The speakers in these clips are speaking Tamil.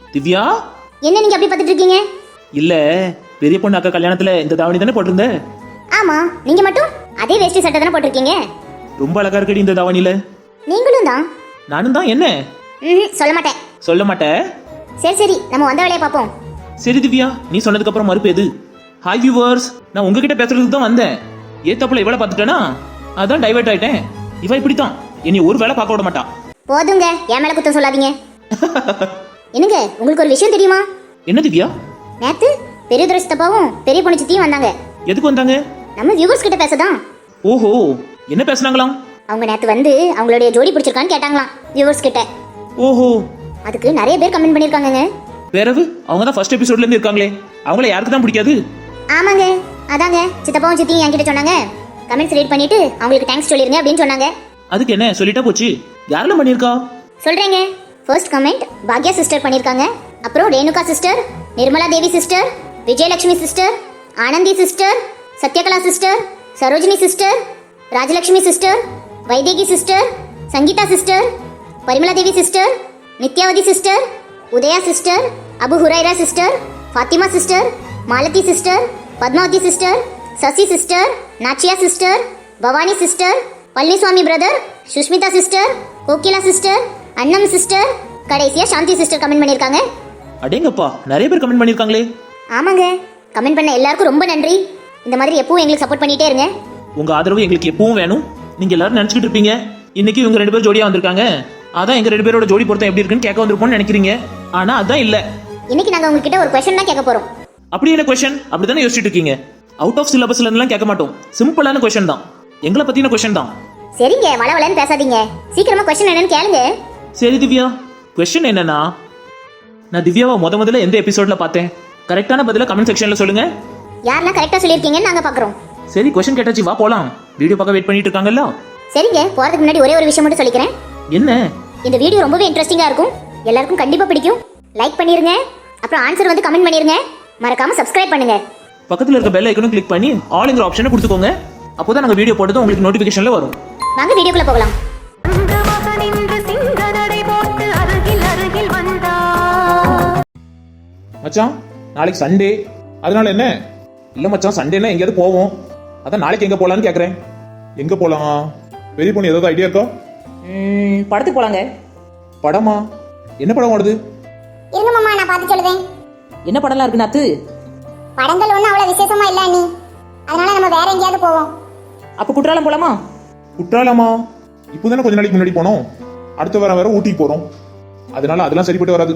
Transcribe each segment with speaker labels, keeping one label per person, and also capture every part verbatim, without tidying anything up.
Speaker 1: திவ்யா,
Speaker 2: என்ன நீங்க அப்படி பார்த்துட்டு இருக்கீங்க?
Speaker 1: இல்ல பெரிய பொண்ணு அக்கா கல்யாணத்துல இந்த தாவணி தானே போட்டிருந்த?
Speaker 2: ஆமா, நீங்க மட்டும் அதே வேஷ்டி சட்டை தானே போட்டிருக்கீங்க.
Speaker 1: ரொம்ப அழகா இருக்கடி இந்த தாவணியில.
Speaker 2: நீங்களும் தான்.
Speaker 1: நானும் தான். என்ன?
Speaker 2: ம் சொல்ல மாட்டேன்.
Speaker 1: சொல்ல மாட்டேன்.
Speaker 2: சரி சரி, நம்ம வந்த வேலையை பார்ப்போம்.
Speaker 1: சரி திவ்யா, நீ சொன்னதுக்கு அப்புறம் மறுப்பு எது? ஹாய் வியூவர்ஸ், நான் உங்ககிட்ட பேசுறதுக்கு தான் வந்தேன். ஏத்தாப்புல இவளை பார்த்துட்டேனா அதான் டைவர்ட் ஆயிட்டேன். இவ இப்படித்தான், இனி ஒரு வேலை பார்க்க விட மாட்டா.
Speaker 2: போதுங்க, என் மேல குத்தம் சொல்லாதீங்க. என்னங்க, உங்களுக்கு ஒரு விஷயம் தெரியுமா?
Speaker 1: என்ன திவ்யா?
Speaker 2: நேத்து பெரிய துரை சித்தப்பாவும் பெரிய பொண்ணு சித்தியும் வந்தாங்க.
Speaker 1: எதுக்கு வந்தாங்க?
Speaker 2: நம்ம வியூவர்ஸ் கிட்ட பேசதான்.
Speaker 1: ஓஹோ, என்ன பேசுனாங்களாம்?
Speaker 2: அவங்க நேத்து வந்து அவங்களுடைய ஜோடி பிடிச்சிருக்கான்னு கேட்டாங்களாம் வியூவர்ஸ் கிட்ட.
Speaker 1: ஓஹோ,
Speaker 2: அதுக்கு நிறைய பேர் கமெண்ட் பண்ணிருக்காங்கங்க.
Speaker 1: வேறவு அவங்க தான் ஃபர்ஸ்ட் எபிசோட்ல இருந்து இருக்காங்களே, அவங்கள யாருக்கு தான் பிடிக்காது?
Speaker 2: ஆமாங்க, அதாங்க சித்தப்பாவும் சித்தியும் என்கிட்ட சொன்னாங்க. கமெண்ட்ஸ் ரீட் பண்ணிட்டு அவங்களுக்கு தேங்க்ஸ் சொல்லிருங்க அப்படின்னு சொன்னாங்க.
Speaker 1: அதுக்கு என்ன சொல்லிட்டா போச்சு. யாரெல்லாம் பண்ணிருக்கா
Speaker 2: சொல்றேங்க. ஃபர்ஸ்ட் கமெண்ட் பாக்யா சிஸ்டர் பண்ணிருக்காங்க. அப்புறம் Renuka sister, Nirmala Devi sister, Vijayalakshmi sister, Anandhi sister, Sathyakala sister, Sarojini sister, Rajalakshmi sister, Vaidehi sister, Sangeetha sister, Parimala Devi sister, Nithyavathi sister, Udaya sister, Abu Huraira sister, Fathima sister, Malathi sister, Padmavathi sister, Sasi sister, Nachiya sister, Bhavani sister, Palaniswamy brother, Sushmitha sister, Kokila sister, Annam sister, கடைசியா சாந்தி சிஸ்டர் கமெண்ட் பண்ணிருக்காங்க.
Speaker 1: அடேங்கப்பா, நிறைய பேர் கமெண்ட் பண்ணிருக்காங்களே.
Speaker 2: ஆமாங்க, கமெண்ட் பண்ண எல்லாருக்கும் ரொம்ப நன்றி. இந்த மாதிரி எப்பவும் எங்களுக்கு சப்போர்ட் பண்ணிட்டே இருங்க.
Speaker 1: உங்க ஆதரவு எங்களுக்கு எப்பவும் வேணும். நீங்க எல்லாரும் நினைச்சிட்டு இருப்பீங்க இன்னைக்கு இவங்க ரெண்டு பேரும் ஜோடியா வந்திருக்காங்க, அதான் எங்க ரெண்டு பேரோட ஜோடி பொருத்தம் எப்படி இருக்குன்னு கேட்க வந்திருப்போம்னு நினைக்கிறீங்க. ஆனா அதான் இல்ல.
Speaker 2: இன்னைக்கு நாங்க உங்ககிட்ட ஒரு क्वेश्चन தான் கேட்க போறோம்.
Speaker 1: அப்படி என்ன क्वेश्चन? அப்படிதானே யோசிச்சுட்டு இருக்கீங்க. அவுட் ஆஃப் சிலபஸ்ல இருந்தெல்லாம் கேட்க மாட்டோம். சிம்பிளான क्वेश्चन தான், எங்களை பத்தின क्वेश्चन தான்.
Speaker 2: சரிங்க, வளவலன்னு பேசாதீங்க. சீக்கிரமா क्वेश्चन என்னன்னு கேளுங்க.
Speaker 1: சரி திவ்யா, क्वेश्चन என்னன்னா, நான் திவ்யாவை முத முதல்ல எந்த எபிசோட்ல பார்த்தேன்? கரெக்டான பதில கமெண்ட் செக்ஷன்ல சொல்லுங்க.
Speaker 2: யாரெல்லாம் கரெக்டா சொல்லிருக்கீங்கன்னு நாங்க பாக்குறோம்.
Speaker 1: சரி, क्वेश्चन கேட்டாச்சு, வா போலாம். வீடியோ பார்க்க வெயிட் பண்ணிட்டு இருக்காங்கல்ல.
Speaker 2: சரிங்க, போறதுக்கு முன்னாடி ஒரே ஒரு விஷயம் மட்டும் சொல்லிக்கிறேன்.
Speaker 1: என்ன?
Speaker 2: இந்த வீடியோ ரொம்பவே இன்ட்ரெஸ்டிங்கா இருக்கும், எல்லாருக்கும் கண்டிப்பா பிடிக்கும். லைக் பண்ணிருங்க, அப்புறம் ஆன்சர் வந்து கமெண்ட் பண்ணிருங்க, மறக்காம சப்ஸ்கிரைப் பண்ணுங்க.
Speaker 1: பக்கத்துல இருக்க பெல் ஐகானை கிளிக் பண்ணி ஆல்ங்கிற ஆப்ஷனை கொடுத்துக்கோங்க. அப்போதான் நாங்க வீடியோ போட்டது உங்களுக்கு நோட்டிபிகேஷன்ல வரும்.
Speaker 2: வாங்க வீடியோக்குள்ள போகலாம்.
Speaker 1: மச்சான், நாளைக்கு சண்டே, அதனால என்ன? இல்ல மச்சான், சண்டேனா எங்கேயாவது போவோம். அதான் நாளைக்கு எங்க போலான்னு கேக்குறேன். எங்க போலாம்? பெரிய பொண்ணு ஏதாவது ஐடியா இருக்கா?
Speaker 3: படத்துக்கு போலாங்க.
Speaker 1: படமா? என்ன படம் ஓடுது?
Speaker 2: இருங்க மாமா, நான் பார்த்து சொல்லுவேன்.
Speaker 3: என்ன படம்லாம் இருக்கு நாத்து?
Speaker 2: படங்கள் ஒன்றும் அவ்வளோ விசேஷமா இல்லை நீ, அதனால நம்ம வேற எங்கேயாவது போவோம்.
Speaker 3: அப்ப குற்றாலம் போலாமா?
Speaker 1: குற்றாலமா? இப்போதானே கொஞ்ச நாளைக்கு முன்னாடி போனோம். அடுத்த வாரம் வேற ஊட்டிக்கு போறோம், அதனால அதெல்லாம் சரிப்பட்டு வராது.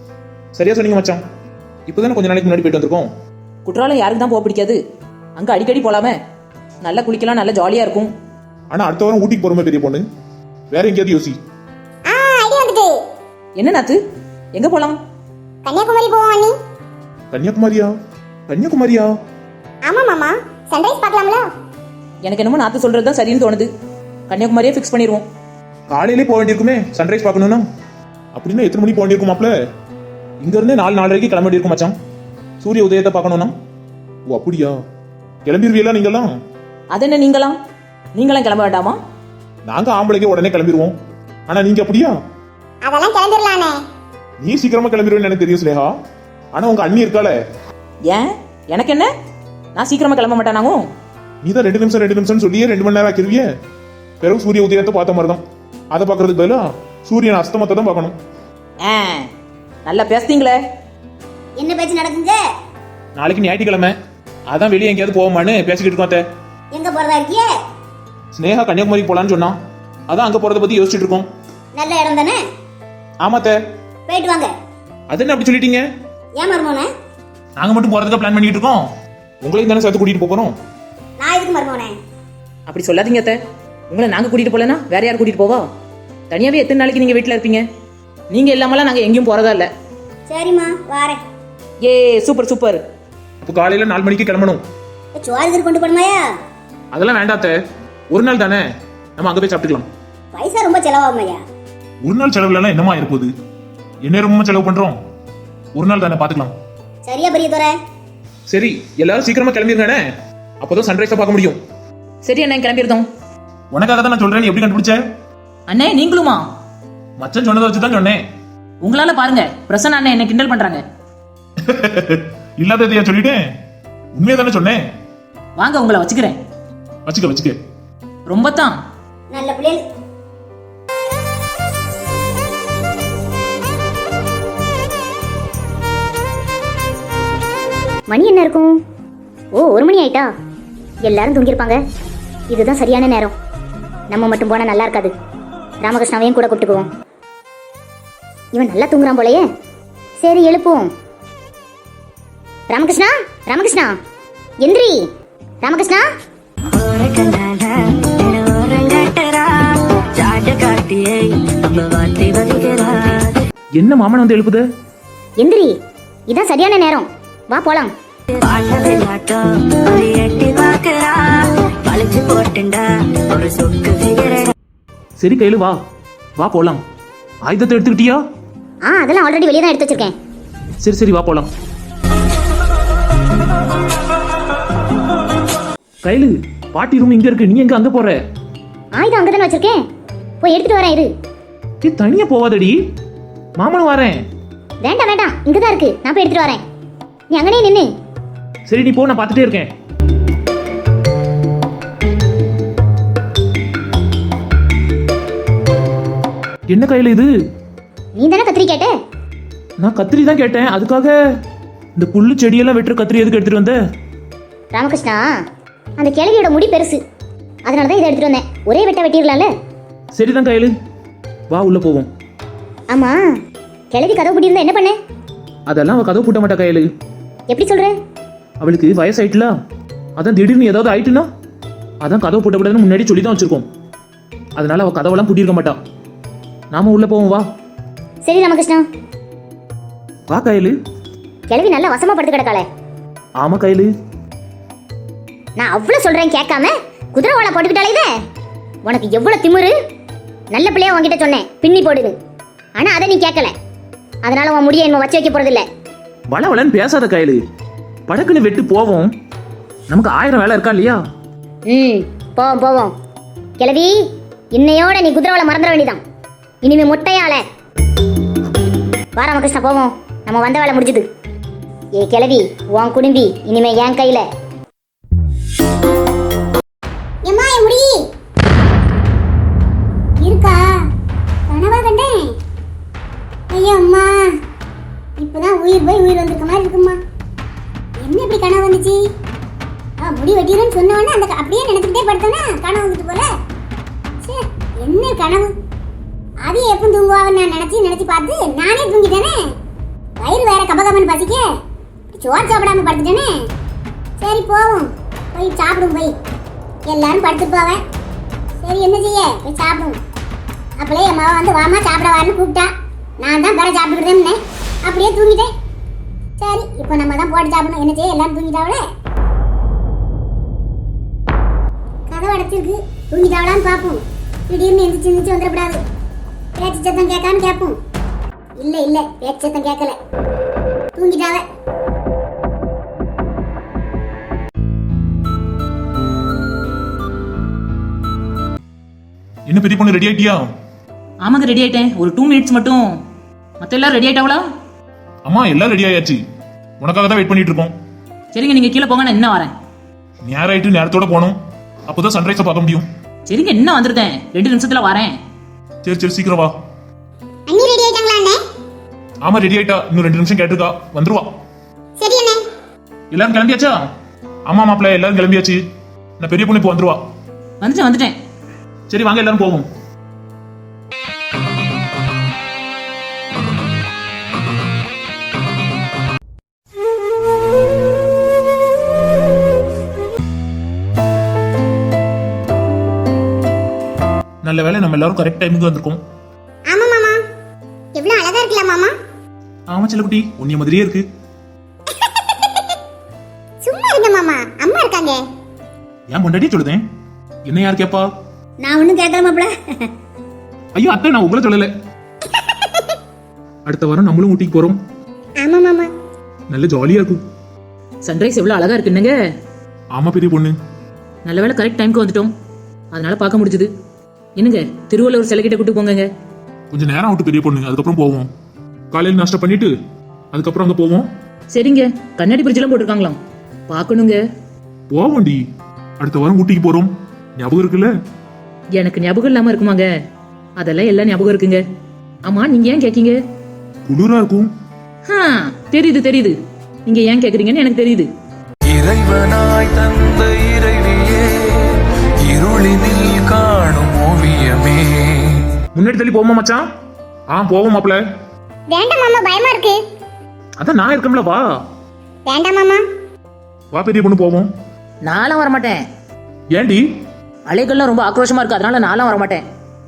Speaker 1: சரியா சொன்னீங்க மச்சான், இப்போதானே கொஞ்ச நாளைக்கு முன்னாடி போயிட்டு வந்திருக்கோம்.
Speaker 3: குற்றாலம் யாருக்கு தான் போக பிடிக்காது? அங்க அடிக்கடி போலாமே, நல்லா குளிக்கலாம், நல்லா ஜாலியா இருக்கும்.
Speaker 1: ஆனா அடுத்த வாரம் ஊட்டிக்கு போறோமே பெரிய பொண்ணு, வேற எங்கேயாவது யோசி.
Speaker 2: ஆ, ஐடியா வந்துட்டு.
Speaker 3: என்ன நாத்து, எங்க போலாம்?
Speaker 2: கன்னியாகுமரி போவோம் அண்ணி.
Speaker 1: கன்னியாகுமரியா? கன்னியாகுமரியா?
Speaker 2: ஆமா மாமா, சன்ரைஸ் பார்க்கலாம்ல?
Speaker 3: எனக்கு என்னமோ நாத்து சொல்றது தான் சரின்னு தோணுது. கன்னியாகுமரியே ஃபிக்ஸ் பண்ணிடுவோம்.
Speaker 1: காலையிலே போக வேண்டியிருக்குமே சன்ரைஸ் பார்க்கணும்னா. அப்படின்னா எத்தனை மணிக்கு போக வேண்டியிருக்கும் மாப்ள? இங்க இருந்தே நாலு நாலரைக்கு கிளம்ப வேண்டியிருக்கும் மச்சான், சூரிய உதயத்தை பார்க்கணும்னா. ஓ அப்படியா? கிளம்பிடுவீங்களா நீங்களாம்?
Speaker 3: அது என்ன நீங்களாம்? நீங்களாம் கிளம்ப வேண்டாமா?
Speaker 1: நாங்க ஆம்பளைக்கு உடனே கிளம்பிடுவோம், ஆனா நீங்க அப்படியா?
Speaker 2: அதெல்லாம் கிளம்பிடலானே.
Speaker 1: நீ சீக்கிரமா கிளம்பிடுவேன்னு எனக்கு தெரியும் ஸ்னேகா, ஆனா உங்க அண்ணி இருக்காளே.
Speaker 3: ஏன் எனக்கு என்ன? நான் சீக்கிரமா கிளம்ப மாட்டானாங்க.
Speaker 1: நீ தான் ரெண்டு நிமிஷம் ரெண்டு நிமிஷம் சொல்லியே ரெண்டு மணி நேரம் ஆக்கிருவிய. பிறகு சூரிய உதயத்தை பார்த்த மாதிரி தான், அதை பார்க்கறதுக்கு பதிலா சூரியன் அஸ்தமத்தை தான் பார்க்கணும்.
Speaker 3: ஆ, நல்லா பேசுறீங்களே.
Speaker 2: என்ன பேச்சு நடக்குங்க?
Speaker 1: நாளைக்கு ஞாயிற்றுக்கிழமை, அதான் வெளியே எங்கேயாவது போவோமான்னு பேசிக்கிட்டு இருக்கோம். அத்தை,
Speaker 2: எங்க போறதா இருக்கியே?
Speaker 1: ஸ்னேகா கன்னியாகுமரிக்கு போலான்னு சொன்னான், அதான் அங்க போறத பத்தி யோசிச்சுட்டு இருக்கோம்.
Speaker 2: நல்ல இடம் தானே?
Speaker 1: ஆமாத்த.
Speaker 2: போயிட்டு வாங்க.
Speaker 1: அது என்ன அப்படி சொல்லிட்டீங்க?
Speaker 2: ஏன் மருமோனே?
Speaker 1: நாங்க மட்டும் போறதுக்கு பிளான் பண்ணிட்டு இருக்கோம், உங்களையும் தானே சேர்த்து கூட்டிட்டு போறோம்.
Speaker 2: நான் எதுக்கு மருமோனே?
Speaker 3: அப்படி சொல்லாதீங்க அத்தை. உங்களை நாங்க கூட்டிட்டு போலனா வேற யார் கூட்டிட்டு போவா? தனியாவே எத்தனை நாளைக்கு நீங்க வீட்டுல இருப்பீங்க? நீங்க இல்லாமலாம் நாங்க எங்கேயும் போறதா இல்ல.
Speaker 2: சரிம்மா, வாரேன்.
Speaker 3: ஏ சூப்பர் சூப்பர்.
Speaker 1: அப்போ காலையில நாலு மணிக்கு கிளம்பணும்.
Speaker 2: சோறு கொண்டு போடுமாயா?
Speaker 1: அதெல்லாம் வேண்டாத்த, ஒரு நாள் தானே, நம்ம அங்க போய் சாப்பிட்டுக்கலாம்.
Speaker 2: பைசா ரொம்ப செலவாகுமையா?
Speaker 1: ஒரு நாள் செலவுல என்னமா இருப்போது? என்ன ரொம்ப செலவு பண்றோம், ஒரு நாள் தானே, பாத்துக்கலாம்.
Speaker 2: சரியா பெரிய துறை?
Speaker 1: சரி, எல்லாரும் சீக்கிரமா கிளம்பிருங்க, அப்போதான் சன்ரைஸை பார்க்க முடியும்.
Speaker 3: சரி அண்ணா, கிளம்பிருந்தோம்.
Speaker 1: உனக்காக தான் நான் சொல்றேன், எப்படி கண்டுபிடிச்ச?
Speaker 3: அண்ணே நீங்களுமா?
Speaker 1: மச்சன் சொன்னதை வச்சு தான் சொன்னேன்.
Speaker 3: உங்களால பாருங்க பிரசன்னா அண்ணன் என்ன கிண்டல் பண்றாங்க.
Speaker 1: இல்லாததையா சொல்லிட்டேன், உண்மையை தானே சொன்னேன்.
Speaker 3: வாங்க உங்களை வச்சுக்கிறேன்.
Speaker 1: வச்சுக்க வச்சுக்க.
Speaker 3: ரொம்ப தான்
Speaker 2: நல்ல பிள்ளைகள். மணி என்ன இருக்கும்? ஓ, ஒரு மணி ஆயிட்டா. எல்லாரும் தூங்கியிருப்பாங்க. இதுதான் சரியான நேரம். நம்ம மட்டும் போனா நல்லா இருக்காது. ராமகிருஷ்ணாவையும் கூட கூப்பிட்டுக்குவோம். இவன் நல்லா தூங்குறான் போலயே. சரி, எழுப்புவோம். ராமகிருஷ்ணா, ராமகிருஷ்ணா, எந்திரி. ராமகிருஷ்ணா,
Speaker 3: என்ன மாமன் வந்து எழுப்புது?
Speaker 2: எந்திரி. இதான் சரியான நேரம். வா போலாம்.
Speaker 3: சரி கையில வா, வா போலாம். ஆயுதத்தை எடுத்துக்கிட்டியா?
Speaker 2: ஆ, அதெல்லாம் ஆல்ரெடி வெளியே தான் எடுத்து வச்சிருக்கேன்.
Speaker 3: சரி சரி வா போலாம். கையில பாட்டி ரூம் இங்க இருக்கு, நீ எங்க அங்க போற?
Speaker 2: ஆயுதம் அங்கே தானே வச்சிருக்கேன். போய் எடுத்துட்டு வரேன் இரு.
Speaker 3: நீ தனியா போவாதடி, மாமனும் வரேன்.
Speaker 2: வேண்டாம் வேண்டாம், இங்கே தான் இருக்கு. நான் போய் எடுத்துட்டு வரேன். நீ அங்கனே நின்னு.
Speaker 3: சரி நீ போ, நான் பார்த்துட்டே இருக்கேன். என்ன கையில இது?
Speaker 2: நீ தானே கத்திரி கேட்ட.
Speaker 3: நான் கத்திரி தான் கேட்டேன். அதுக்காக இந்த புல்லு செடியெல்லாம் வெட்டுற கத்திரி எதுக்கு எடுத்துட்டு வந்த?
Speaker 2: ராமகிருஷ்ணா, அந்த கிழவியோட முடி பெருசு, அதனால தான் இதை எடுத்துட்டு வந்தேன். ஒரே வெட்ட வெட்டிடலாம்ல.
Speaker 3: சரிதான் கையில, வா உள்ள போவோம்.
Speaker 2: ஆமா, கிழவி கதவு பூட்டி இருந்தா என்ன பண்ண?
Speaker 3: அதெல்லாம் அவ கதவு பூட்ட மாட்டா கையில.
Speaker 2: எப்படி சொல்ற?
Speaker 3: அவளுக்கு வயசாயிட்டுல, அதான் திடீர்னு ஏதாவது ஆயிட்டுனா அதான் கதவு பூட்டக்கூடாதுன்னு முன்னாடி சொல்லி தான் வச்சிருக்கோம். அதனால அவ கதவெல்லாம் பூட்டியிருக்க மாட்டா. நாம உள்ள போவோம் வா.
Speaker 2: சரி ராமகிருஷ்ணா.
Speaker 3: வா கையில.
Speaker 2: கிழவி நல்லா வசமா படுத்து கிடக்காளே.
Speaker 3: ஆமா கையில,
Speaker 2: நான் அவ்வளவு சொல்றேன் கேட்காம குதிரை வாழை போட்டுக்கிட்டாலே இத. உனக்கு எவ்வளவு திமிரு. நல்ல பிள்ளையா உன்கிட்ட சொன்னேன் பின்னி போடுது, ஆனா அதை நீ கேட்கல. அதனால உன் முடிய என்ன வச்சு வைக்க போறது இல்ல.
Speaker 3: வள வளன்னு பேசாத கையில, படக்குன்னு வெட்டு போவோம். நமக்கு ஆயிரம் வேலை இருக்கா இல்லையா?
Speaker 2: ம், போவோம் போவோம். கிழவி, இன்னையோட நீ குதிரை வாழை மறந்துட வேண்டியதான். இனிமே முட்டையால வா ராமகிருஷ்ணா, போவோம். நம்ம வந்த வேலை முடிஞ்சது. ஏ கிழவி, உன் குடும்பி இனிமே என் கையில. இருக்கா கனவா கண்டேன். ஐயோ அம்மா, இப்பதான் உயிர் போய் உயிர் வந்திருக்க மாதிரி இருக்குமா. என்ன இப்படி கனவு வந்துச்சு? ஆ, முடி வெட்டிடுன்னு சொன்ன உடனே அந்த அப்படியே நினைச்சுக்கிட்டே படுத்தோன்னா கனவு வந்துட்டு போல. சே, என்ன கனவு? அது எப்போ தூங்குவான்னு நான் நினைச்சு நினைச்சு பார்த்து நானே தூங்கிட்டேனே. வயிறு வேற கபகபன்னு பசிக்க சோறு சாப்பிடாம படுத்துட்டேனே. சரி போவோம், போய் சாப்பிடும். போய் எல்லாரும் படுத்துட்டு போவேன். சரி என்ன செய்ய, போய் சாப்பிடும். அப்படியே என் மாவா வந்து வாமா சாப்பிட வாருன்னு கூப்பிட்டா. நான் தான் வேற சாப்பிட்டுக்கிட்டேன்னு அப்படியே தூங்கிட்டேன். சரி, இப்போ நம்ம தான் போட்டு சாப்பிடணும். என்ன செய்ய, எல்லாரும் தூங்கிட்டாவளே. கதவு அடைச்சிருக்கு, தூங்கிட்டாவளான்னு பார்ப்போம். திடீர்னு எந்திரிச்சு எந்திரிச்சு வந்துடக்கூடாது. பேச்சு சத்தம் கேட்கான்னு கேட்போம். இல்லை இல்லை, பேச்சு சத்தம் கேட்கல, தூங்கிட்டாவ.
Speaker 1: என்ன பெரிய பொண்ணு, ரெடி ஆயிட்டியா?
Speaker 3: ஆமாங்க ரெடி ஆயிட்டேன். ஒரு டூ மினிட்ஸ் மட்டும். மத்த எல்லாரும் ரெடி ஆயிட்டாவளா?
Speaker 1: அம்மா எல்லாம் ரெடி ஆயாச்சு, உனக்காக தான் வெயிட் பண்ணிட்டு இருக்கோம்.
Speaker 3: சரிங்க, நீங்க கீழே போங்க, நான் என்ன வரேன்.
Speaker 1: நேரம் ஆயிட்டு, நேரத்தோட போகணும். அப்போதான் சன்ரைஸை பார்க்க முடியும்.
Speaker 3: சரிங்க, என்ன வந்துருந்தேன், ரெண்டு நிமிஷத்துல வரேன்.
Speaker 1: சரி சரி சீக்கிரம் வா.
Speaker 2: அண்ணி ரெடி ஆயிட்டாங்களா அண்ணே?
Speaker 1: ஆமா ரெடி ஆயிட்டா, இன்னும் ரெண்டு நிமிஷம் கேட்டிருக்கா, வந்துருவா.
Speaker 2: சரி அண்ணே.
Speaker 1: எல்லாரும் கிளம்பியாச்சா? ஆமா மாப்பிள்ள, எல்லாரும் கிளம்பியாச்சு. நான் பெரிய பொண்ணு இப்போ வந்துருவா.
Speaker 3: வந்துட்டேன் வந்துட்டேன்.
Speaker 1: சரி வாங்க எல்லாரும் போவோம். நல்ல வேளை நம்ம எல்லாரும் கரெக்ட் டைமுக்கு வந்திருக்கோம்.
Speaker 2: ஆமா மாமா, எவ்வளவு அழகா இருக்கல மாமா.
Speaker 1: ஆமா செல்லக்குட்டி, உன்னிய மாதிரியே இருக்கு.
Speaker 2: சும்மா இருங்க மாமா, அம்மா இருக்காங்க.
Speaker 1: ஏன் பொண்டாட்டி சொல்லுதேன், என்ன யார் கேப்பா?
Speaker 2: நான் ஒண்ணும் கேட்கல மாப்ள.
Speaker 1: ஐயோ அத்தை, நான் உங்களை சொல்லல. அடுத்த வாரம் நம்மளும் ஊட்டிக்கு போறோம்.
Speaker 2: ஆமா மாமா,
Speaker 1: நல்ல ஜாலியா இருக்கும்.
Speaker 3: சன்ரைஸ் எவ்வளவு அழகா இருக்கு என்னங்க.
Speaker 1: ஆமா பெரிய பொண்ணு,
Speaker 3: நல்ல வேளை கரெக்ட் டைமுக்கு வந்துட்டோம், அதனால பார்க்க முடிஞ்சது. என்னங்க, திருவள்ளுவர் சிலை கிட்ட கூட்டு போங்க.
Speaker 1: கொஞ்சம் நேரம் விட்டு பெரிய பொண்ணு, அதுக்கப்புறம் போவோம். காலையில் நாஷ்டா பண்ணிட்டு அதுக்கப்புறம் அங்க போவோம்.
Speaker 3: சரிங்க. கண்ணாடி பிரிட்ஜெல்லாம் போட்டிருக்காங்களாம், பார்க்கணுங்க.
Speaker 1: போவோண்டி, அடுத்த வாரம் ஊட்டிக்கு போறோம். ஞாபகம் இருக்குல்ல?
Speaker 3: எனக்கு ஞாபகம் இல்லாம இருக்குமாங்க? அதெல்லாம் எல்லாம் ஞாபகம் இருக்குங்க. ஆமா, நீங்க ஏன் கேக்கீங்க?
Speaker 1: குளிரா இருக்கும்.
Speaker 3: ஆ, தெரியுது தெரியுது, நீங்க ஏன் கேக்குறீங்கன்னு எனக்கு தெரியுது.
Speaker 4: இறைவனாய் தந்த இறைவியே, இருளினில் காணும் ஓவியமே.
Speaker 1: முன்னாடி தள்ளி போவோமா மச்சான்? ஆ போவோம் மாப்ள.
Speaker 2: வேண்டாம் மாமா, பயமா இருக்கு.
Speaker 1: அதான் நான் இருக்கேன்ல, வா.
Speaker 2: வேண்டாம் மாமா.
Speaker 1: வா பெரிய பொண்ணு போவோம்.
Speaker 3: நானும் வரமாட்டேன்.
Speaker 1: ஏண்டி?
Speaker 3: அலைகள்லாம் ரொம்ப ஆக்ரோஷமா இருக்கு, அதனால நானும் வரமாட்டேன்.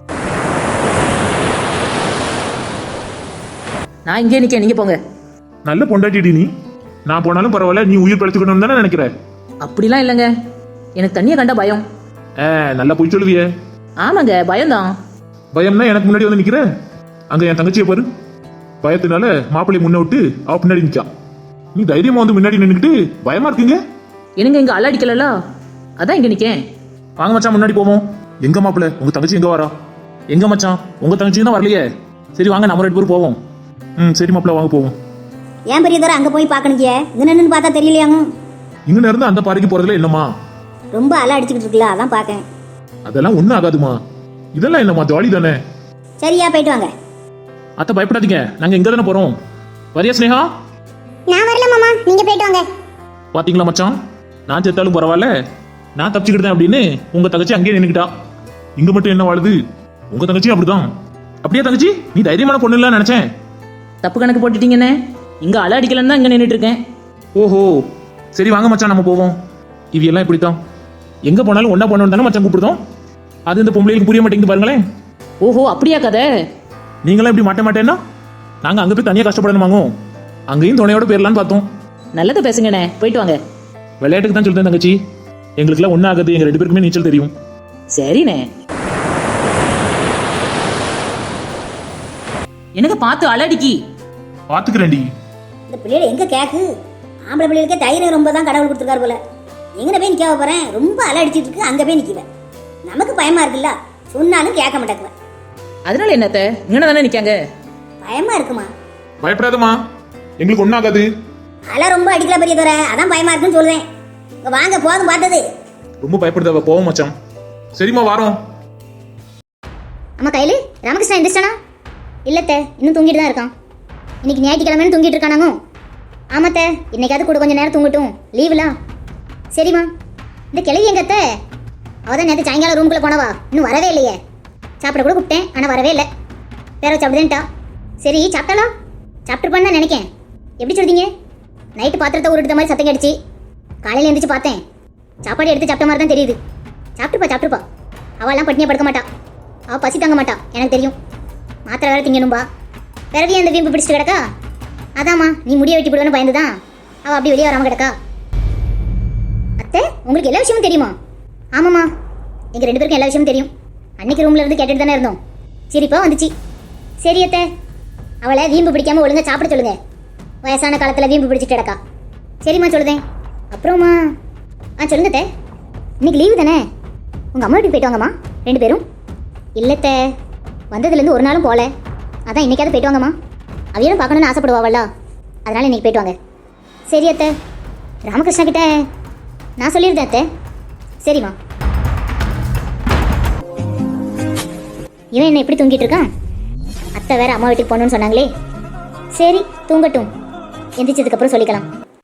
Speaker 3: நான் இங்கே நிக்க, நீங்க போங்க.
Speaker 1: நல்ல பொண்டாட்டிடி நீ. நான் போனாலும் பரவாயில்ல, நீ உயிர் பழச்சுக்கணும்னு தானே நினைக்கிற?
Speaker 3: அப்படிலாம் இல்லைங்க, எனக்கு தண்ணியை கண்டா பயம்.
Speaker 1: ஏ நல்லா போய் சொல்லுவியே.
Speaker 3: ஆமாங்க, பயம்தான்.
Speaker 1: பயம்னா எனக்கு முன்னாடி வந்து நிக்கிற. அங்க என் தங்கச்சியை பாரு, பயத்தினால மாப்பிள்ளை முன்ன விட்டு அவ பின்னாடி நிக்கா. நீ தைரியமா வந்து முன்னாடி நின்னுக்கிட்டு பயமா இருக்கீங்க.
Speaker 3: எனக்கு இங்க அல்லாடிக்கல, அதான் இங்க நிக்கேன்.
Speaker 1: வாங்க மச்சான், முன்னாடி போவோம். எங்க மாப்பிள்ளை, உங்க தங்கச்சி எங்க வரா? எங்க மச்சான், உங்க தங்கச்சி தான் வரலையே. சரி வாங்க, நம்ம ரெண்டு பேரும் போவோம். ம் சரி மாப்பிள்ளை, வாங்க போவோம்.
Speaker 2: ஏன் பெரிய தர அங்க போய் பாக்கணுங்க? இங்க நின்னு பார்த்தா தெரியலையாங்க?
Speaker 1: இங்க இருந்து அந்த பாறைக்கு போறதுல என்னமா?
Speaker 2: ரொம்ப அலை அடிச்சுக்கிட்டு இருக்குல்ல, அதான் பாக்கேன்.
Speaker 1: அதெல்லாம் ஒண்ணும் ஆகாதுமா. இதெல்லாம் என்னம்மா, ஜாலி தானே.
Speaker 2: சரியா, போயிட்டு வாங்க.
Speaker 3: அத்தை பயப்படாதீங்க, நாங்க இங்க தானே போறோம். வரியா ஸ்னேகா?
Speaker 2: நான் வரல மாமா, நீங்க போயிட்டு வாங்க.
Speaker 1: பாத்தீங்களா மச்சான், நான் செத்தாலும் பரவாயில்ல, நான் தப்பிச்சுக்கிட்டேன் அப்படின்னு உங்க தங்கச்சி அங்கேயே நின்னுக்கிட்டா. இங்க மட்டும் என்ன வாழுது? உங்க தங்கச்சி அப்படிதான். அப்படியே தங்கச்சி, நீ தைரியமான பொண்ணு இல்ல நினைச்சேன்.
Speaker 3: தப்பு கணக்கு போட்டுட்டீங்கண்ணே. இங்க அலை அடிக்கலன்னு தான் இங்க நின்றுட்டு இருக்கேன்.
Speaker 1: ஓஹோ, சரி வாங்க மச்சான், நம்ம போவோம். இது எல்லாம் இப்படித்தான், எங்க போனாலும் ஒன்னா போனோம் தானே மச்சான் கூப்பிடுதோம். அது இந்த பொம்பளைக்கு புரிய மாட்டேங்குது பாருங்களேன்.
Speaker 3: ஓஹோ, அப்படியா கதை?
Speaker 1: நீங்களாம் இப்படி மாட்ட மாட்டேன்னா நாங்க அங்க போய் தனியா கஷ்டப்படணுமாங்க. அங்கேயும் துணையோட போயிடலான்னு பார்த்தோம்.
Speaker 3: நல்லது பேசுங்கண்ணே, போயிட்டு வாங்க.
Speaker 1: விளையாட்டுக்கு தான் சொல்றேன் தங்கச்சி, எங்களுக்குலாம் ஒன்னும் ஆகாது. எங்க ரெண்டு பேருக்குமே நீச்சல் தெரியும்.
Speaker 3: சரிண்ணே. எனக்கு பார்த்து அலடிக்கி.
Speaker 1: பாத்துக்கிறேன்டி.
Speaker 2: இந்த பிள்ளைகள் எங்க கேக்கு? ஆம்பளை பிள்ளைகளுக்கே தைரியம் ரொம்ப தான் கடவுள் கொடுத்துருக்காரு போல. எங்கன போய் நிக்க போறேன்? ரொம்ப அலை அடிச்சிட்டு இருக்கு, அங்க போய் நிக்குவேன். நமக்கு பயமா இருக்குல்ல, சொன்னாலும் கேட்க மாட்டேங்குவேன்.
Speaker 3: அதனால என்னத்த இங்கே தானே நிக்காங்க?
Speaker 2: பயமா இருக்குமா?
Speaker 1: பயப்படாதம்மா, எங்களுக்கு ஒன்னும் ஆகாது.
Speaker 2: அலை ரொம்ப அடிக்கல பெரிய தர, அதான் பயமா இருக்குன்னு சொல்றேன். இங்க வாங்க, போதும் பார்த்தது.
Speaker 1: ரொம்ப பயப்படுதாவ, போவோம் மச்சான். சரிம்மா, வாரோம்.
Speaker 2: அம்மா கையில ராமகிருஷ்ணா எந்திரிச்சானா? இல்லத்த, இன்னும் தூங்கிட்டு தான் இருக்கான். இன்னைக்கு ஞாயிற்றுக்கிழமைன்னு தூங்கிட்டு இருக்கானாங்க. ஆமாத்த, இன்னைக்காவது கூட கொஞ்சம் நேரம் தூங்கட்டும், லீவுலாம். சரிம்மா. இந்த கிளவி எங்கத்த? அவதான் நேற்று சாயங்காலம் ரூம்குள்ளே போனவா, இன்னும் வரவே இல்லையே. சாப்பிட கூட கூப்பிட்டேன், ஆனால் வரவே இல்லை. வேற சாப்பிடுதேன்ட்டா. சரி, சாப்பிட்டாலா? சாப்பிட்டுருப்பான்னு தான் நினைக்கேன். எப்படி சொல்றீங்க? நைட்டு பாத்திரத்தை உருட்டுற மாதிரி சத்தம் கேட்டுச்சு. காலையில் எழுந்திரிச்சு பார்த்தேன், சாப்பாடு எடுத்து சாப்பிட்ட மாதிரி தான் தெரியுது. சாப்பிட்டுப்பா சாப்பிட்டுப்பா, அவெல்லாம் பட்டினியாக படுக்க மாட்டா. அவள் பசி தாங்க மாட்டா, எனக்கு தெரியும். மாத்திரை வேற திங்கணும்பா. பிறவியே அந்த வீம்பு பிடிச்சிட்டு கிடக்கா. அதாம்மா, நீ முடிய வெட்டி விடுவேன்னு பயந்துதான் அவள் அப்படி வெளியே வராமல் கிடக்கா. அத்தை, உங்களுக்கு எல்லா விஷயமும் தெரியுமா? ஆமாம்மா, எங்கள் ரெண்டு பேருக்கும் எல்லா விஷயமும் தெரியும். அன்னைக்கு ரூம்ல இருந்து கேட்டுட்டு தானே இருந்தோம். சரிப்பா வந்துச்சு. சரி அத்தை, அவளை வீம்பு பிடிக்காம ஒழுங்கா சாப்பிட சொல்லுங்க. வயசான காலத்தில் வீம்பு பிடிச்சிட்டு கிடக்கா. சரிம்மா, சொல்லுதேன். அப்புறமா ஆ சொல்லுங்க அத்தை, இன்னைக்கு லீவு தானே, உங்கள் அம்மா வீட்டுக்கு போயிட்டு வாங்கம்மா ரெண்டு பேரும். இல்லைத்த, வந்ததுலேருந்து ஒரு நாளும் போகல, அதான் இன்னைக்காவது போயிட்டு வாங்கம்மா. அவையும் பார்க்கணுன்னு ஆசைப்படுவாவல்ல, அதனால் இன்னைக்கு போயிட்டு வாங்க. சரி அத்தை, ராமகிருஷ்ணா கிட்ட நான் சொல்லியிருந்தேன் அத்தை. சரிம்மா. இவன் என்ன எப்படி தூங்கிட்டு இருக்கான்? அத்தை வேற அம்மா வீட்டுக்கு போகணுன்னு சொன்னாங்களே. சரி, தூங்கட்டும், எந்திரிச்சதுக்கப்புறம் சொல்லிக்கலாம்.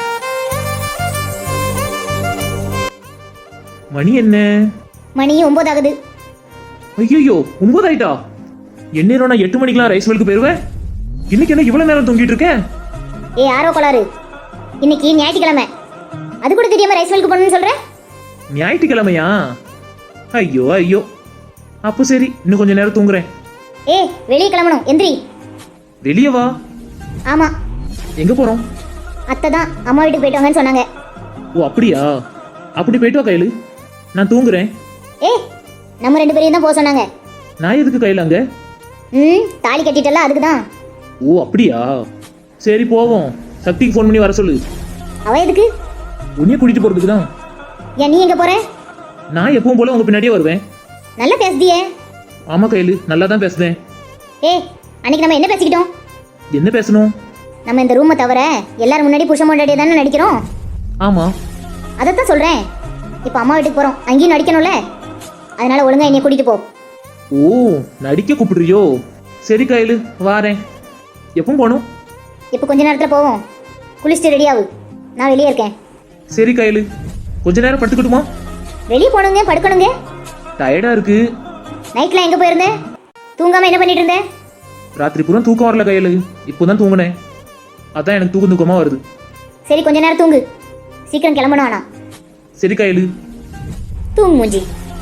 Speaker 3: மணி என்ன?
Speaker 2: மணி ஒன்பது ஆகுது.
Speaker 3: ஐயோ, ஒன்பது ஆயிட்டா? எந்நேரம் நான் எட்டு மணிக்கெல்லாம் ரைஸ் மில்க்கு போயிருவேன். இன்னைக்கு என்ன இவ்வளவு நேரம் தூங்கிட்டு இருக்கேன்?
Speaker 2: ஏ ஆரோ கோளாறு, இன்னைக்கு ஞாயிற்றுக்கிழமை, அது கூட தெரியாம ரைஸ் மில்க்கு போகணும்னு சொல்கிறேன்.
Speaker 3: ஞாயிற்றுக்கிழமையா? ஐயோ ஐயோ, அப்போ சரி, இன்னும் கொஞ்ச நேரம் தூங்குறேன்.
Speaker 2: ஏ வெளியே கிளம்பணும், எந்திரி.
Speaker 3: வெளியே வா.
Speaker 2: ஆமா,
Speaker 3: எங்க போறோம்?
Speaker 2: அத்தை தான் அம்மா வீட்டுக்கு போயிட்டு வாங்கன்னு சொன்னாங்க.
Speaker 3: ஓ அப்படியா? அப்படி போயிட்டு வா கையில, நான் தூங்குறேன்.
Speaker 2: ஏ நம்ம ரெண்டு பேரையும் தான் போக சொன்னாங்க.
Speaker 3: நான் எதுக்கு கையில அங்க?
Speaker 2: ம் தாலி கட்டிட்டல, அதுக்கு தான்.
Speaker 3: ஓ அப்படியா? சரி போவோம். சக்திக்கு ஃபோன் பண்ணி வர சொல்லு.
Speaker 2: அவ எதுக்கு?
Speaker 3: உன்னைய கூட்டிட்டு போறதுக்கு தான்.
Speaker 2: ஏன் நீ எங்க போற?
Speaker 3: நான் எப்பவும் போல உங்க பின்னாடியே வருவேன்.
Speaker 2: நல்லா பேசுதியே.
Speaker 3: ஆமா கையில, நல்லா தான் பேசுதேன்.
Speaker 2: ஏ அன்னைக்கு நம்ம என்ன பேசிக்கிட்டோம்?
Speaker 3: என்ன பேசணும்?
Speaker 2: நம்ம இந்த ரூமை தவிர எல்லாரும் முன்னாடி புருஷன் முன்னாடியே தானே நடிக்கிறோம்.
Speaker 3: ஆமா.
Speaker 2: அதைத்தான் சொல்றேன். இப்போ அம்மா வீட்டுக்கு போறோம், அங்கேயும் நடிக்கணும்ல. அதனால ஒழுங்கா என்னை கூட்டிட்டு போ.
Speaker 3: ஓ, நடிக்க கூப்பிடுறியோ? சரி கையில் வாரேன். எப்பவும் போகணும்?
Speaker 2: இப்போ கொஞ்ச நேரத்துல போவோம். குளிச்சுட்டு ரெடி ஆகு, நான் வெளியே இருக்கேன்.
Speaker 3: சரி கையில், கொஞ்ச நேரம் படுத்துக்கிட்டுமா?
Speaker 2: வெளியே போகணுங்க, படுக்கணுங்க.
Speaker 3: டயர்டா இருக்கு.
Speaker 2: நைட்ல எங்க போயிருந்தேன்? தூங்காம என்ன பண்ணிட்டு இருந்தேன்?
Speaker 3: ராத்திரி பூரா தூக்கம் வரல கையில், இப்போதான் தூங்கினேன். அதான் எனக்கு தூக்கம் தூக்கமா வருது.
Speaker 2: சரி கொஞ்ச நேரம் தூங்கு, சீக்கிரம் கிளம்பணும். ஆனா
Speaker 3: சரி கையில்.
Speaker 2: தூங்கு மூஞ்சி.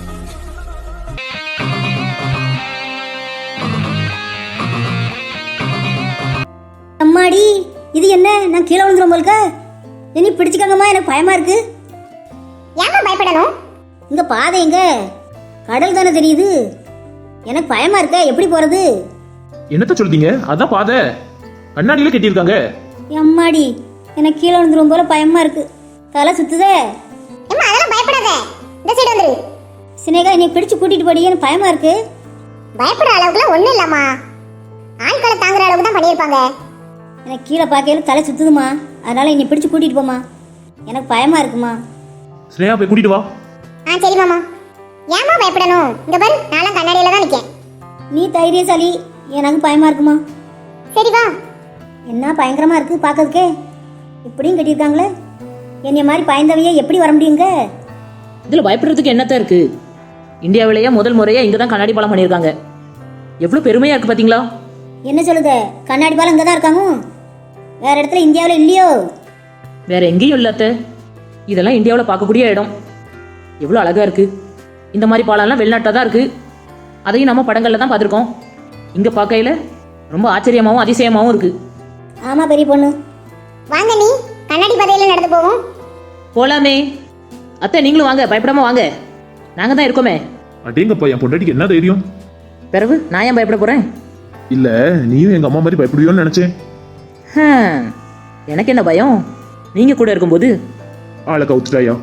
Speaker 5: அம்மாடி, இது என்ன? நான் கீழே விழுந்துரும் போல்க. இனி பிடிச்சிக்கங்கம்மா, எனக்கு பயமா இருக்கு.
Speaker 2: ஏமா பயப்படணும்?
Speaker 5: இங்க பாதை எங்க? கடல் தானே தெரியுது. எனக்கு பயமா இருக்க, எப்படி போறது?
Speaker 3: என்னத்த சொல்றீங்க? அதான் பாதை கண்ணாடியில கட்டியிருக்காங்க.
Speaker 5: அம்மாடி, எனக்கு கீழே விழுந்துரும் போல பயமா இருக்கு. தலை சுத்துதே.
Speaker 2: ஏமா அதெல்லாம் பயப்படாத, இந்த சைடு வந்துரு.
Speaker 5: சினேகா, நீ பிடிச்சு கூட்டிட்டு போடி, எனக்கு பயமா இருக்கு.
Speaker 2: பயப்படுற அளவுக்குலாம் ஒண்ணும் இல்லம்மா, ஆட்களை தாங்குற அளவுக்கு தான் பண்ணியிருப்பாங்க.
Speaker 5: எனக்கு கீழே பார்க்கையில தலை சுத்துதுமா, அதனால என்னை பிடிச்சு கூட்டிட்டு போமா, எனக்கு பயமா இருக்குமா.
Speaker 3: ஸ்னேகா போய் கூட்டிட்டு வா.
Speaker 2: ஆ சரி மாமா. ஏமா பயப்படணும்? இங்க பாரு, நான்லாம் கண்ணாடியில தான் நிக்கேன்.
Speaker 5: நீ தைரியசாலி, எனக்கு பயமா இருக்குமா.
Speaker 2: சரி வா.
Speaker 5: என்ன பயங்கரமா இருக்கு பார்க்கறதுக்கே. இப்படியும் கட்டியிருக்காங்களே. என்னைய மாதிரி பயந்தவையே எப்படி வர முடியுங்க?
Speaker 6: இதில் பயப்படுறதுக்கு என்னத்தான் இருக்கு? இந்தியாவிலேயே முதல் முறையாக இங்கே தான் கண்ணாடி பாலம் பண்ணியிருக்காங்க. எவ்வளோ பெருமையாக இருக்குது பார்த்தீங்களா?
Speaker 5: என்ன சொல்லுத? கண்ணாடி பாலம் இங்கே தான் இருக்காங்க, வேற இடத்துல இந்தியாவில் இல்லையோ?
Speaker 6: வேற எங்கேயும் இல்லாத. இதெல்லாம் இந்தியாவில் பார்க்கக்கூடிய இடம். எவ்வளோ அழகாக இருக்குது. இந்த மாதிரி பாலம்லாம் வெளிநாட்டில் தான் இருக்குது. அதையும் நம்ம படங்களில் தான் பார்த்துருக்கோம். இங்கே பார்க்கையில் ரொம்ப ஆச்சரியமாகவும் அதிசயமாகவும் இருக்குது.
Speaker 5: ஆமா பெரிய பொண்ணு.
Speaker 2: வாங்க, நீ கண்ணாடி பாதையில நடந்து போவோம்.
Speaker 6: போலாமே. அத்தை நீங்களும் வாங்க, பயப்படாம வாங்க. நாங்கள் தான் இருக்கோமே.
Speaker 1: அடேங்கப்பா, என் பொண்டாட்டிக்கு என்ன தைரியம்.
Speaker 6: பிறகு நான் ஏன் பயப்பட போகிறேன்?
Speaker 1: இல்ல, நீயும் எங்க அம்மா மாதிரி பயப்படுவியோன்னு நினைச்சேன்.
Speaker 6: எனக்கு என்ன பயம், நீங்கள் கூட இருக்கும்போது.
Speaker 1: ஆளை கவுத்துட்டாயா?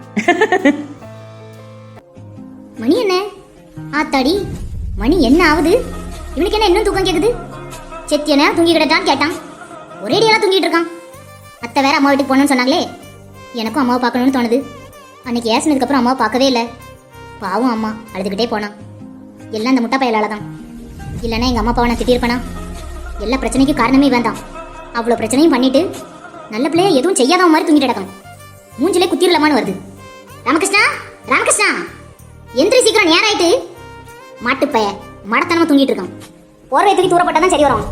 Speaker 2: மணி என்ன ஆத்தாடி, மணி என்ன ஆகுது? இவனுக்கு என்ன இன்னும் தூக்கம் கேக்குது? செத்தியனா தூங்கி கிடட்டான்னு கேட்டான், ஒரேடியெல்லாம் தூங்கிட்டு இருக்கான். அத்தை வேற அம்மா வீட்டுக்கு போகணும்னு சொன்னாங்களே, எனக்கும் அம்மாவை பார்க்கணும்னு தோணுது. அன்னைக்கு ஏசினதுக்கு அப்புறம் அம்மாவை பார்க்கவே இல்லை. பாவம் அம்மா அழுதுகிட்டே போனான். எல்லாம் இந்த முட்டா பயலால தான். இல்லைன்னா எங்கள் அம்மா அப்பாவை நான் திட்டிருப்பேனா? எல்லா பிரச்சனைக்கும் காரணமே வேண்டாம். அவ்வளோ பிரச்சனையும் பண்ணிட்டு நல்ல பிள்ளைய எதுவும் செய்யாத மாதிரி தூங்கிட்டு கிடக்கும். மூஞ்சிலே குத்திரலாமான்னு வருது. ராமகிருஷ்ணா, ராமகிருஷ்ணா எந்திரி சீக்கிரம், நேரம் ஆயிட்டு. மாட்டுப்பைய மடத்தனமா தூங்கிட்டு இருக்கான். போர்வை தூக்கி தூரப்பட்டாதான் சரி வரும்.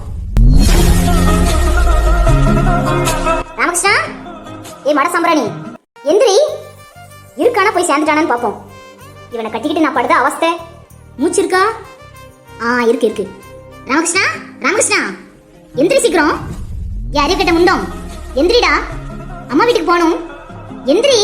Speaker 2: ராமகிருஷ்ணா, ஏ மட சம்பராணி எந்திரி. இருக்கானா போய் சேர்ந்துட்டானான்னு பார்ப்போம். இவனை கட்டிக்கிட்டு நான் படுத அவஸ்தை. மூச்சு இருக்கா? ஆ இருக்கு இருக்கு. ராமகிருஷ்ணா, ராமகிருஷ்ணா எந்திரி சீக்கிரம். யாரைய கிட்ட முண்டோம், எந்திரிடா, அம்மா வீட்டுக்கு போகணும். எந்திரி.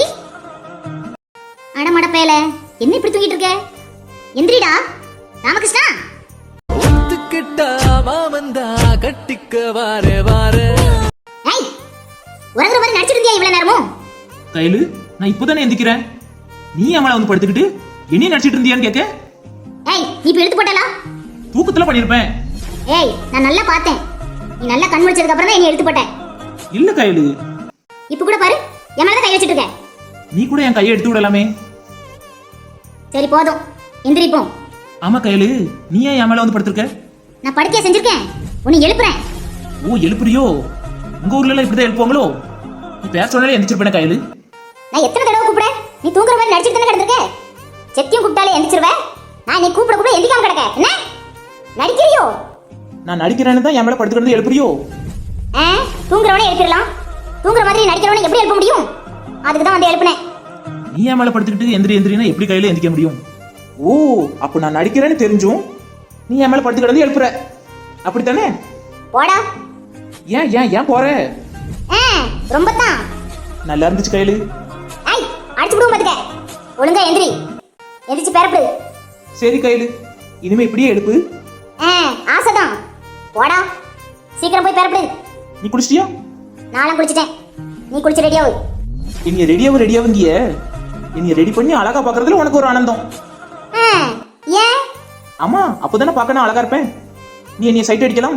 Speaker 2: அடமட பேல, என்ன இப்படி தூங்கிட்டு இருக்க? எந்திரிடா ராமகிருஷ்ணா.
Speaker 4: ஒத்துக்கிட்டா மாமந்தா கட்டிக்க வாரே வாரே.
Speaker 2: ஏய், உறங்குற மாதிரி நடிச்சிட்டு இருந்தியா இவ்வளவு நேரமும்?
Speaker 3: கையில், நான் இப்போதானே எந்திக்கிறேன். நீ என் மேலே வந்து படுத்துக்கிட்டு என்னையும் நடிச்சிட்டு இருந்தியான்னு கேட்க?
Speaker 2: ஏய், நீ இப்ப எடுத்து போட்டலா?
Speaker 3: தூக்கத்தில் பண்ணியிருப்பேன்.
Speaker 2: ஏய், நான் நல்லா பார்த்தேன். நீ நல்லா கண் முடிச்சதுக்கு அப்புறம் தான் என்னை எடுத்து போட்டேன்.
Speaker 3: இல்ல கையில்,
Speaker 2: இப்ப கூட பாரு, என் மேல தான் கை வச்சிட்டு இருக்க.
Speaker 3: நீ கூட என் கையை எடுத்து விடலாமே.
Speaker 2: சரி போதும், எந்திரிப்போம்.
Speaker 3: ஆமா கையில், நீ ஏன் என் மேலே வந்து படுத்திருக்க?
Speaker 2: நான் படுக்கைய செஞ்சிருக்கேன், உன்னை எழுப்புறேன்.
Speaker 3: ஓ, எழுப்புறியோ? உங்க ஊர்ல எல்லாம் இப்படிதான் எழுப்புவாங்களோ? நீ பேச சொன்னாலே எந்திரிச்சிருப்பேன் கையில்.
Speaker 2: நான் எத்தனை தடவை கூப்பிட? நீ தூங்குற மாதிரி நடிச்சிட்டு தானே கிடந்திருக்க. செத்தியும் கூப்பிட்டாலே எந்திரிச்சிருவேன். நான் நீ கூப்பிட கூப்பிட எந்திரிக்காம கிடக்க. என்ன நடிக்கிறியோ?
Speaker 3: நான் நடிக்கிறேன்னு தான் என் மேலே படுத்துக்கிறது எழுப்புறியோ?
Speaker 2: ஆ, தூங்குறவனே எழுப்பிடலாம். தூங்குற மாதிரி நடிக்கிறவனே எப்படி எழுப்ப முடியும்? அதுக்கு தான் வந்து எழுப்புனேன்.
Speaker 3: நீ என் மேலே படுத்துக்கிட்டு எந்திரி எந்திரினா எப்படி கையில் எந்திரிக்க முடியும்? ஓ, அப்போ நான் நடிக்கிறேன்னு தெரிஞ்சும் நீ என் மேலே படுத்து கிடந்து எழுப்புற, அப்படித்தானே?
Speaker 2: போடா.
Speaker 3: ஏன் ஏன் ஏன் போற?
Speaker 2: ஆ, ரொம்ப தான்
Speaker 3: நல்லா இருந்துச்சு கையில்.
Speaker 2: ஐய், அடிச்சு விடுவோம் பாத்துக்க. ஒழுங்கா எந்திரி, எந்திரிச்சு பேரப்படு.
Speaker 3: சரி கையில், இனிமே இப்படியே எழுப்பு.
Speaker 2: ஆ, ஆசைதான். போடா, சீக்கிரம் போய் பேரப்படு.
Speaker 3: நீ குளிச்சிட்டியா?
Speaker 2: நானும் குளிச்சிட்டேன். நீ குளிச்சு ரெடியாவு.
Speaker 3: என்னைய ரெடியாவும் ரெடியாவுங்கிய என்னைய ரெடி பண்ணி அழகா பாக்குறதுல உனக்கு ஒரு ஆனந்தம்.
Speaker 2: ஆ, ஏன்?
Speaker 3: ஆமா, அப்போதானே பார்க்க நான் அழகா இருப்பேன். நீ என்னைய சைட் அடிக்கலாம்,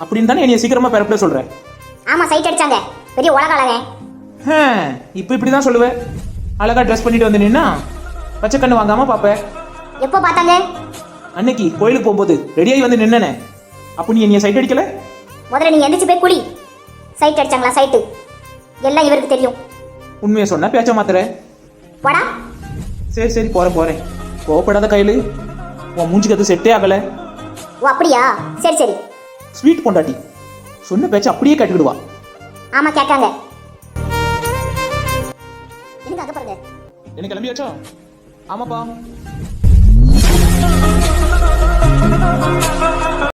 Speaker 3: அப்படின்னு தானே என்னைய சீக்கிரமா பிறப்பிட சொல்ற
Speaker 2: ஆமா சைட் அடிச்சாங்க பெரிய உலக அழகே.
Speaker 3: இப்போ இப்படி தான் சொல்லுவேன். அழகா ட்ரெஸ் பண்ணிட்டு வந்து நின்னா பச்சை கண்ணு வாங்காம பாப்பேன்.
Speaker 2: எப்போ பார்த்தாங்க?
Speaker 3: அன்னைக்கு கோயிலுக்கு போகும்போது ரெடியாகி வந்து நின்னனே, அப்போ நீ என்னைய சைட் அடிக்கல?
Speaker 2: முதல்ல நீங்க எந்திரிச்சு போய் குளி. சைட் அடிச்சாங்களா சைட்டு எல்லாம் இவருக்கு தெரியும்.
Speaker 3: உண்மையை சொன்னா பேச்ச மாத்துற.
Speaker 2: போடா.
Speaker 3: சரி சரி போறேன் போறேன். கோவப்படாத கையில உன் மூஞ்சிக்கு அது செட்டே ஆகல.
Speaker 2: ஓ அப்படியா? சரி சரி.
Speaker 3: ஸ்வீட் பொண்டாட்டி சொன்ன பேச்ச அப்படியே கேட்டுக்கிடுவா.
Speaker 2: ஆமா கேட்காங்க. எனக்கு அங்க பாருங்க.
Speaker 3: என்ன கிளம்பியாச்சா? ஆமாப்பா.